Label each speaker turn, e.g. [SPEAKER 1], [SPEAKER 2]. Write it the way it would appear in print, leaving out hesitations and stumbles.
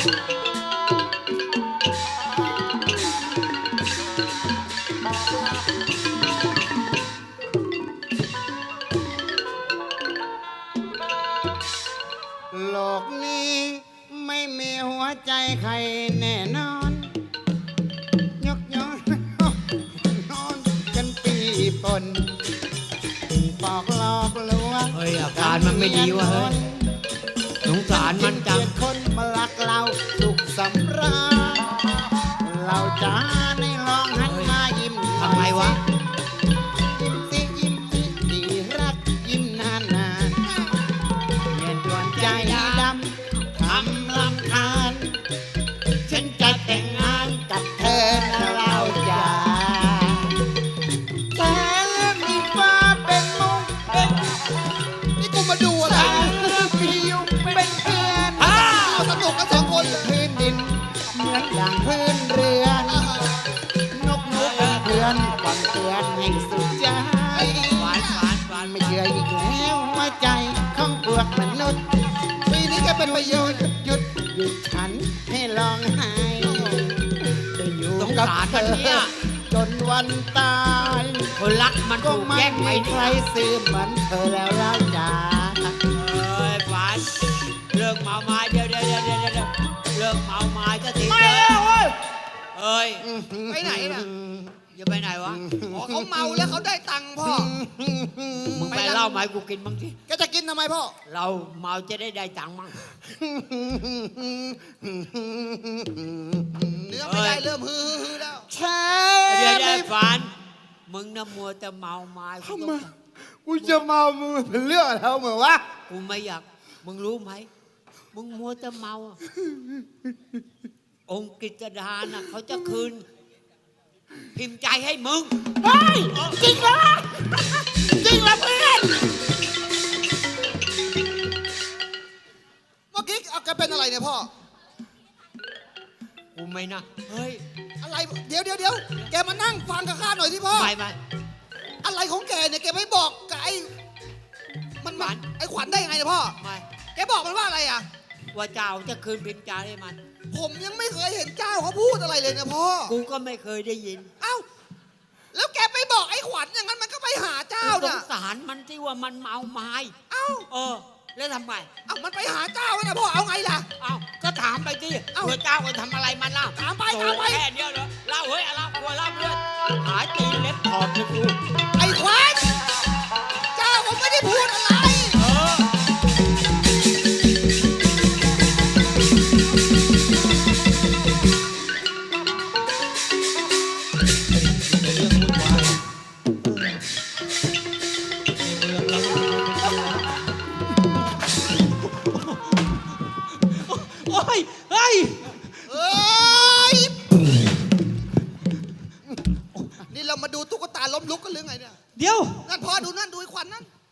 [SPEAKER 1] โลกนี้ไม่มีหัวใจใครแน่นอนยกย้อนนอนกันปีปนปอกหลอกลวง
[SPEAKER 2] เฮ้ยอาการมันไม่ดีวะเฮ้ยสงสารมันจัง
[SPEAKER 1] คนมาลักเราสุขสำราญเราจะในลองหันมายิ้ม
[SPEAKER 2] ทำไงวะ
[SPEAKER 1] ยิ้มสิยิ้มสิดีรักยิ้มนานนานเย็นดวนใจดำทำลำคาญฉันจะแต่งงานกับเธอนะเราจะแต่มีฟ้าเป็นมุงเป็น
[SPEAKER 3] นี่กูมาดูอะไร
[SPEAKER 1] ผิวเป็นเพื่อน
[SPEAKER 3] สนุกกันสองคนเลย
[SPEAKER 1] พื้นดินเหมือนอย่างพื้นเรือน นกนูเป็นเพื่อนก่อนเตือนให้สุดใจ
[SPEAKER 2] หวานหวานหวาน
[SPEAKER 1] ไม่เชื่ออีกแล้วว่าใจของพวกมนุษย์
[SPEAKER 3] ปีนี้แกเป็นประโยชน์
[SPEAKER 1] หยุดฉันให้ร้องไห้จะอยู่
[SPEAKER 2] สง
[SPEAKER 1] กับ
[SPEAKER 2] สาร
[SPEAKER 1] เธ
[SPEAKER 2] มัน
[SPEAKER 1] อ
[SPEAKER 2] เนี่ย
[SPEAKER 1] จนวันตาย
[SPEAKER 2] คนรักมัน
[SPEAKER 1] ก็
[SPEAKER 2] ถูก
[SPEAKER 1] ไม่
[SPEAKER 2] แย่งไป
[SPEAKER 1] มี
[SPEAKER 2] นี่
[SPEAKER 1] ใครซื้อเหมือนเธอแล้วเราจ้า
[SPEAKER 2] เอ้ยหวานเลิกเมาไม้เดี๋ยวเลิกเมาไม้ก็ที
[SPEAKER 3] ไม่
[SPEAKER 2] เถ
[SPEAKER 3] แล้ว
[SPEAKER 2] อะ
[SPEAKER 3] เว้ย
[SPEAKER 2] เอ้ย
[SPEAKER 3] ไปไหนน่ะ
[SPEAKER 2] จะไปไหนวะ
[SPEAKER 3] อ๋อเขาเมาแล้วเขาได้ตังค์พ่อ
[SPEAKER 2] มึงไปเล่ามาให้กูกินบ้างสิ
[SPEAKER 3] แกจะกินทำไมพ่อ
[SPEAKER 2] เราเมาจะได้ตังค์มั่ง
[SPEAKER 3] เนื้อไม่ได้เริ่มฮือแล้ว
[SPEAKER 1] ใช่
[SPEAKER 2] เดี๋ยว
[SPEAKER 1] ไม่
[SPEAKER 2] ฝันมึงน่ะมัวแต่เมาไม้
[SPEAKER 1] ทำไมกูจะเมามึงเป็นเรื่องอะไรเหมือนวะ
[SPEAKER 2] กูไม่อยากมึงรู้ไหมมึงมัวแต่เมาอะองค์กฤษดาน่ะเขาจะคืน พิมพ์ใจให้มึง
[SPEAKER 1] เฮ้ยจริงเหรอจริงเหรอเพื่อน
[SPEAKER 3] เมื่อกี้เอาแกเป็นอะไรเนี่ยพ่อ
[SPEAKER 2] กูไม่นะเฮ้ย
[SPEAKER 3] อะไร เดี๋ยวแกมานั่งฟังกับข้าหน่อยที่พ่อ
[SPEAKER 2] ไม่
[SPEAKER 3] อะไรของแกเนี่ยแกไม่บอกกับไอ้มันมาไอ้ขวัญได้ยังไงเนี่ยพ่อ
[SPEAKER 2] ไม่
[SPEAKER 3] แกบอกมันว่าอะไรอ่ะ
[SPEAKER 2] ว่าเจ้าจะคืนพิมพ์ใจให้มัน
[SPEAKER 3] ผมยังไม่เคยเห็นเจ้าเขาพูดอะไรเลยนะพ่อ
[SPEAKER 2] กูก็ไม่เคยได้ยิน
[SPEAKER 3] เอ้า แล้วแกไปบอกไอ้ขวัญอย่างนั้นมันก็ไปหาเจ้า
[SPEAKER 2] ส
[SPEAKER 3] เนี่ย
[SPEAKER 2] งสารมันที่ว่ามันเมาไม้
[SPEAKER 3] เอ้า
[SPEAKER 2] แล้วทำไง
[SPEAKER 3] เอ้ามันไปหาเจ้าแล้วนะพ่อ เอาไงล่ะ
[SPEAKER 2] เอ้าก็ถามไปสิ
[SPEAKER 3] เอ้า
[SPEAKER 2] เพื่อเจ้าไปทำอะไรมันเล่า
[SPEAKER 3] ถามไป
[SPEAKER 2] โถ่
[SPEAKER 3] ถามไป
[SPEAKER 2] แค่เดียวเหรอเล่าเฮ้ยเล่ากลัวเล่าเลือดหายตีนเล็บถอดเลยกู
[SPEAKER 3] ไอ้ขวัญเจ้าผมไม่ได้พูดอะไร
[SPEAKER 2] เออ
[SPEAKER 4] โอ้ยเฮ้ย
[SPEAKER 3] เอ้ย นี่เรามาดูตุ๊กตาล้มลุกกันหรือไงเนี่ย
[SPEAKER 4] เดี๋ยว
[SPEAKER 3] นั่นพ่อดูนั่นดูไอ้ขวัญนั่น